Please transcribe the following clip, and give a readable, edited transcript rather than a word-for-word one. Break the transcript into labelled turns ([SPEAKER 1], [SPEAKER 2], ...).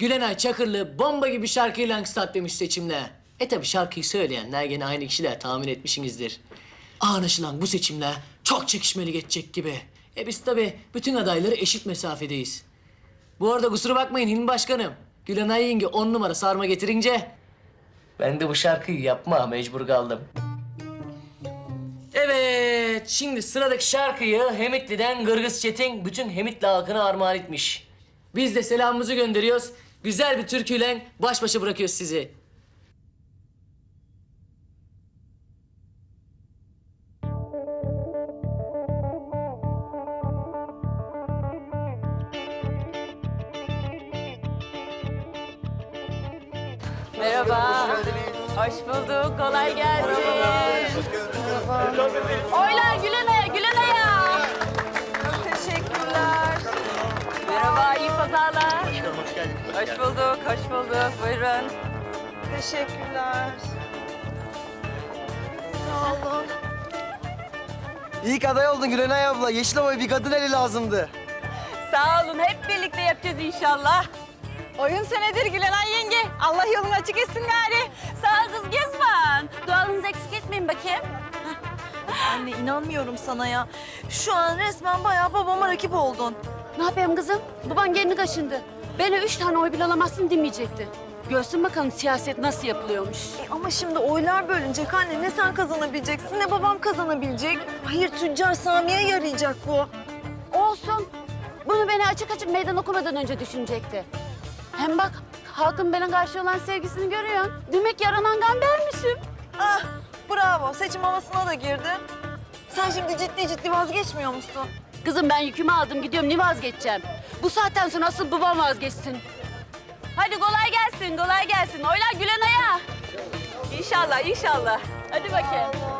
[SPEAKER 1] Gülenay Çakırlı bomba gibi şarkıyla stat demiş seçimle. Tabi şarkıyı söyleyenler gene aynı kişiler tahmin etmişsinizdir. Anlaşılan bu seçimler çok çekişmeli geçecek gibi. Biz tabi bütün adayları eşit mesafedeyiz. Bu arada kusura bakmayın Hilmi Başkanım. Gülenay yenge 10 numara sarma getirince... ben de bu şarkıyı yapma mecbur kaldım. Evet, şimdi sıradaki şarkıyı Hemitli'den Kırgız Çetin bütün Hemitli halkına armağan etmiş. Biz de selamımızı gönderiyoruz. Güzel bir türküyle baş başa bırakıyoruz sizi.
[SPEAKER 2] Merhaba. Hoş bulduk. Kolay gelsin. Oylar Gülenay'a, Gülenay'a. Çok teşekkürler. Merhaba, iyi pazarlar.
[SPEAKER 3] Hoş geldin.
[SPEAKER 2] Hoş bulduk, hoş bulduk. Buyurun.
[SPEAKER 4] Teşekkürler. Sağ olun.
[SPEAKER 5] İlk aday oldun Gülenay abla. Yeşilova'ya bir kadın eli lazımdı.
[SPEAKER 2] Sağ olun, hep birlikte yapacağız inşallah.
[SPEAKER 4] Oyun senedir Gülenay yenge. Allah yolunu açık etsin gari.
[SPEAKER 2] Sağ ol kız Gezman. Duanızı eksik etmeyin bakayım.
[SPEAKER 4] Anne inanmıyorum sana ya. Şu an resmen bayağı babama rakip oldun.
[SPEAKER 6] Ne yapayım kızım? Baban gelini kaşındı. Beni 3 tane oy bile alamazsın demeyecekti. Görsün bakalım siyaset nasıl yapılıyormuş.
[SPEAKER 4] Ama şimdi oylar bölünecek anne. Ne sen kazanabileceksin ne babam kazanabilecek. Hayır tüccar Sami'ye yarayacak bu.
[SPEAKER 6] Olsun. Bunu beni açık açık meydan okumadan önce düşünecekti. Hem bak halkın bana karşı olan sevgisini görüyorsun. Demek yaranan gan benmişim.
[SPEAKER 4] Ah bravo seçim havasına da girdin. Sen şimdi ciddi vazgeçmiyor musun?
[SPEAKER 6] Kızım ben yükümü aldım gidiyorum ne vazgeçeceğim? Bu saatten sonra asıl babam vazgeçsin.
[SPEAKER 2] Hadi kolay gelsin, kolay gelsin. Oylar Gülenay'a. İnşallah, inşallah. Hadi bakayım.